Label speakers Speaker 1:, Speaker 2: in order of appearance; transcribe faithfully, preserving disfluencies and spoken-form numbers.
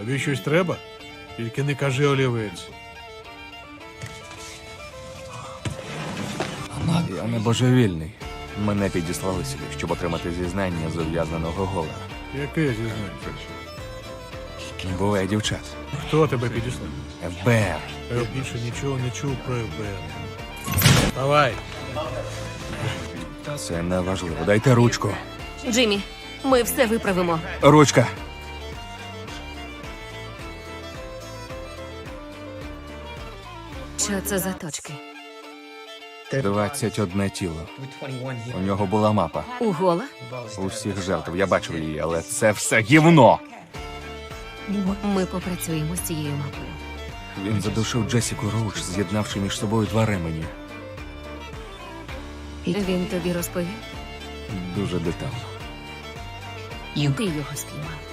Speaker 1: Тобі щось треба? Тільки не кажи олівець.
Speaker 2: Я не божевільний. Мене підіслали сюди, щоб отримати зізнання з ув'язненого Гола.
Speaker 1: Яке зізнання?
Speaker 2: Буває дівчат.
Speaker 1: Хто тебе підіслав?
Speaker 2: еф бе ер.
Speaker 1: Я більше нічого не чув про еф бе ер. Давай.
Speaker 2: Це не важливо. Дайте ручку.
Speaker 3: Джиммі, ми все виправимо.
Speaker 2: Ручка.
Speaker 3: Що це за точки?
Speaker 2: двадцять одне тіло. У нього була мапа.
Speaker 3: У Гола?
Speaker 2: Усіх жертв. Я бачив її, але це все гівно.
Speaker 3: Ми попрацюємо з цією мапою.
Speaker 2: Він задушив Джесіку Роуч, з'єднавши між собою два ремені.
Speaker 3: Він тобі розповів?
Speaker 2: Дуже детально.
Speaker 3: Ти його спіймав.